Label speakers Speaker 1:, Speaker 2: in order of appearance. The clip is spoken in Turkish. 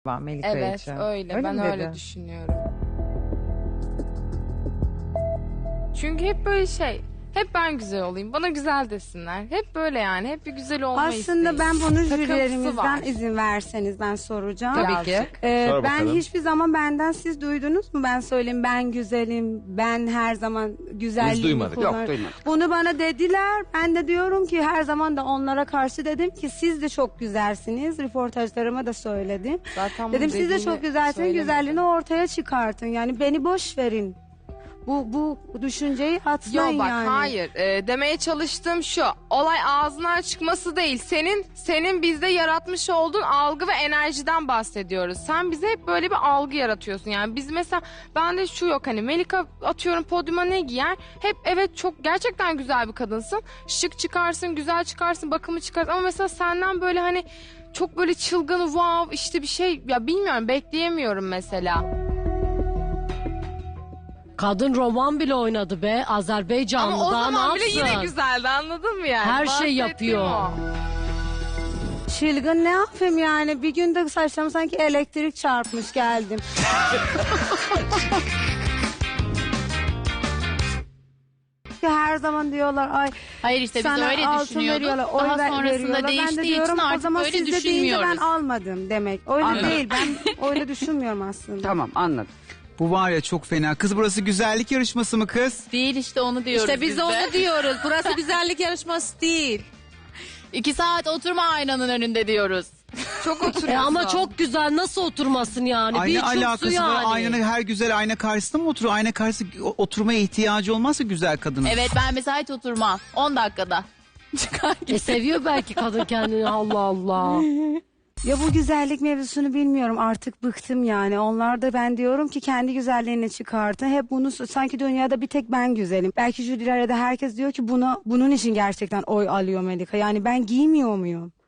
Speaker 1: Melika
Speaker 2: Evet
Speaker 1: için.
Speaker 2: öyle. Ben
Speaker 1: mi
Speaker 2: öyle
Speaker 1: dedi?
Speaker 2: düşünüyorum. Çünkü hep böyle hep ben güzel olayım, bana güzel desinler. Hep böyle yani, hep bir güzel olma
Speaker 3: Aslında
Speaker 2: isteği.
Speaker 3: ben bunu
Speaker 2: Takıntısı
Speaker 3: jürilerimizden
Speaker 2: var.
Speaker 3: izin verseniz ben soracağım.
Speaker 1: Tabii ki.
Speaker 4: Sor
Speaker 3: Ben
Speaker 4: bakalım.
Speaker 3: hiçbir zaman benden siz duydunuz mu? Ben söyleyeyim ben güzelim, ben her zaman güzelliğimi
Speaker 4: Biz duymadık.
Speaker 3: kullanırım.
Speaker 5: Yok, duymadık.
Speaker 3: Bunu bana dediler. Ben de diyorum ki her zaman da onlara karşı dedim ki siz de çok güzelsiniz. Röportajlarıma da söyledim.
Speaker 2: Zaten
Speaker 3: Dedim
Speaker 2: bunu
Speaker 3: siz de
Speaker 2: dediğini
Speaker 3: çok güzelsiniz,
Speaker 2: söylemedim.
Speaker 3: güzelliğini ortaya çıkartın. Yani beni boş verin. Bu düşünceyi atmayın
Speaker 2: Yok bak
Speaker 3: yani.
Speaker 2: hayır. Demeye çalıştığım şu. Olay ağzından çıkması değil. Senin bizde yaratmış olduğun algı ve enerjiden bahsediyoruz. Sen bize hep böyle bir algı yaratıyorsun. Yani biz mesela bende şu yok hani Melika atıyorum podyuma ne giyer? Hep evet çok gerçekten güzel bir kadınsın. Şık çıkarsın, güzel çıkarsın, bakımı çıkarsın. Ama mesela senden böyle hani çok böyle çılgın wow işte bir şey ya bilmiyorum bekleyemiyorum mesela.
Speaker 6: Kadın roman bile oynadı be. Azerbaycanlı
Speaker 2: Ama o
Speaker 6: daha
Speaker 2: zaman
Speaker 6: ne
Speaker 2: bile
Speaker 6: yapsın?
Speaker 2: yine güzeldi anladın mı yani?
Speaker 6: Her şey
Speaker 2: Bahsettiğim
Speaker 6: yapıyor.
Speaker 2: o.
Speaker 3: Çılgın ne yapayım yani? Bir günde saçlarımı sanki elektrik çarpmış geldim. Her zaman diyorlar ay
Speaker 7: Hayır işte biz
Speaker 3: sana
Speaker 7: öyle
Speaker 3: altın
Speaker 7: düşünüyorduk.
Speaker 3: veriyorlar, oy
Speaker 7: Daha sonrasında
Speaker 3: veriyorlar. Ben de
Speaker 7: değiştiği
Speaker 3: diyorum
Speaker 7: için
Speaker 3: o
Speaker 7: artık
Speaker 3: zaman
Speaker 7: böyle
Speaker 3: siz de deyince ben
Speaker 7: düşünmüyoruz.
Speaker 3: almadım demek. Öyle
Speaker 5: Anladım.
Speaker 3: değil ben öyle düşünmüyorum aslında.
Speaker 5: Tamam, anladım.
Speaker 8: Bu var ya çok fena. Kız burası güzellik yarışması mı kız?
Speaker 7: Değil işte onu diyoruz
Speaker 9: İşte biz
Speaker 7: de.
Speaker 9: onu diyoruz. Burası güzellik yarışması değil.
Speaker 7: 2 saat oturma aynanın önünde diyoruz.
Speaker 2: Çok oturuyorsun.
Speaker 6: Ama çok güzel nasıl oturmasın yani?
Speaker 8: Ayna
Speaker 6: Bir çoksu
Speaker 8: alakası
Speaker 6: yani.
Speaker 8: var. Aynanın her güzel ayna karşısında mı oturuyor? Ayna karşısında oturmaya ihtiyacı olmazsa güzel kadının.
Speaker 7: Evet ben mesela hiç oturmam. 10 dakikada. Çıkar git.
Speaker 6: Seviyor belki kadın kendini Allah Allah.
Speaker 3: Ya bu güzellik mevzusunu bilmiyorum artık bıktım yani. Onlar da ben diyorum ki kendi güzelliğini çıkartın. Hep bunu sanki dünyada bir tek ben güzelim. Belki jürilerde herkes diyor ki bunun için gerçekten oy alıyor Melika. Yani ben giymiyor muyum?